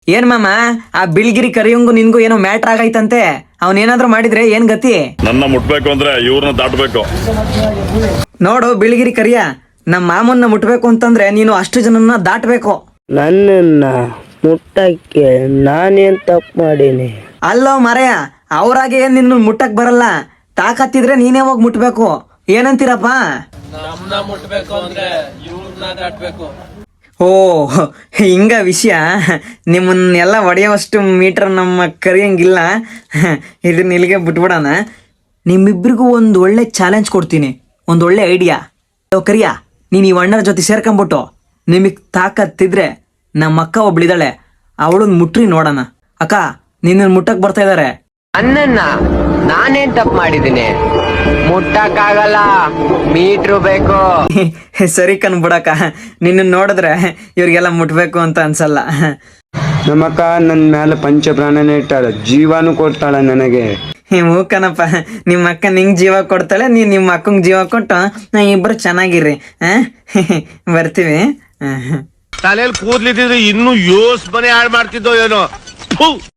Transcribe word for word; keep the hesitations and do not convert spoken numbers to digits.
ಏನ್ ಮಾಮ, ಆ ಬಿಳ್ಗಿರಿ ಕರಿಯಂಗು ನಿನ್ಗೂ ಏನೋ ಮ್ಯಾಟ್ರ್ ಆಗೈತಂತೆ. ಅವನೇನಾದ್ರೂ ಮಾಡಿದ್ರೆ ಏನ್ ಗತಿ? ನನ್ನ ಮುಟ್ಬೇಕು ಅಂದ್ರೆ ಇವ್ರನ್ನ ದಾಟಬೇಕು. ನೋಡು ಬಿಳ್ಗಿರಿ ಕರಿಯ, ನಮ್ಮ ಮಾಮನ್ನ ಮುಟ್ಬೇಕು ಅಂತಂದ್ರೆ ನೀನು ಅಷ್ಟು ಜನನ್ನ ದಾಟಬೇಕು. ನನ್ನನ್ನ ಮುಟ್ಟಕ್ಕೆ ನಾನೇನ್ ತಪ್ಪು ಮಾಡೀನಿ? ಅಲ್ಲೋ ಮರೆಯ, ಅವ್ರಾಗೆ ಏನ್ ನಿನ್ನ ಮುಟ್ಟಕ್ ಬರಲ್ಲ. ತಾಕತ್ತಿದ್ರೆ ನೀನೇ ಹೋಗಿ ಮುಟ್ಬೇಕು. ಏನಂತೀರಪ್ಪ? ಓ ಹಿಂಗ ವಿಷಯ. ನಿಮ್ಮನ್ನೆಲ್ಲ ಹೊಡೆಯೋವಷ್ಟು ಮೀಟರ್ ನಮ್ಮ ಕರಿಯಂಗಿಲ್ಲ. ಇದನ್ನ ಇಲ್ಲಿಗೆ ಬಿಟ್ಬಿಡೋಣ. ನಿಮ್ಮಿಬ್ರಿಗೂ ಒಂದು ಒಳ್ಳೆ ಚಾಲೆಂಜ್ ಕೊಡ್ತೀನಿ, ಒಂದು ಒಳ್ಳೆ ಐಡಿಯಾ. ಕರಿಯ, ನೀನು ಈ ಅಣ್ಣರ ಜೊತೆ ಸೇರ್ಕೊಂಬಿಟ್ಟು ನಿಮಗೆ ತಾಕತ್ತಿದ್ರೆ ನಮ್ಮ ಅಕ್ಕ ಒಬ್ಳಿದಾಳೆ, ಅವಳನ್ನ ಮುಟ್ರಿ ನೋಡೋಣ. ಅಕ್ಕ, ನಿನ್ನ ಮುಟ್ಟಕ್ ಬರ್ತಾ ಇದಾರೆ. ಅನ್ನನ್ನ ನಾನೇನ್ ತಪ್ಪು ಮಾಡಿದ್ದೀನಿ? ಮುಟ್ಟಕ್ಕಾಗಲ್ಲ, ಮೀಟ್ರು ಬೇಕು. ಸರಿ ಕಣ್ಬಿಡಕ್ಕ, ನಿನ್ನ ನೋಡಿದ್ರೆ ಇವ್ರಿಗೆಲ್ಲ ಮುಟ್ಬೇಕು ಅಂತ ಅನ್ಸಲ್ಲ. ನಮ್ಮಕ್ಕ ನನ್ನ ಮೇಲೆ ಪಂಚ ಪ್ರಾಣನೇ ಇಟ್ಟಾಳೆ, ಜೀವಾನು ಕೊಡ್ತಾಳೆ ನನಗೆ. ಹ್ಞೂ ಕಣಪ್ಪ, ನಿಮ್ಮ ಅಕ್ಕ ನಿಂಗೆ ಜೀವ ಕೊಡ್ತಾಳೆ, ನೀನು ನಿಮ್ಮ ಅಕ್ಕಂಗೆ ಜೀವ ಕೊಟ್ಟು ನಾ ಇಬ್ಬರು ಚೆನ್ನಾಗಿರ್ರಿ. ಹಾಂ ಬರ್ತೀವಿ. ತಲೆಯಲ್ಲಿ ಕೂದ್ಲಿದ್ರೆ ಇನ್ನೂ ಯೋಸ್ ಮನೆ ಹಾಳು ಮಾಡ್ತಿದ್ದೋ ಏನೋ.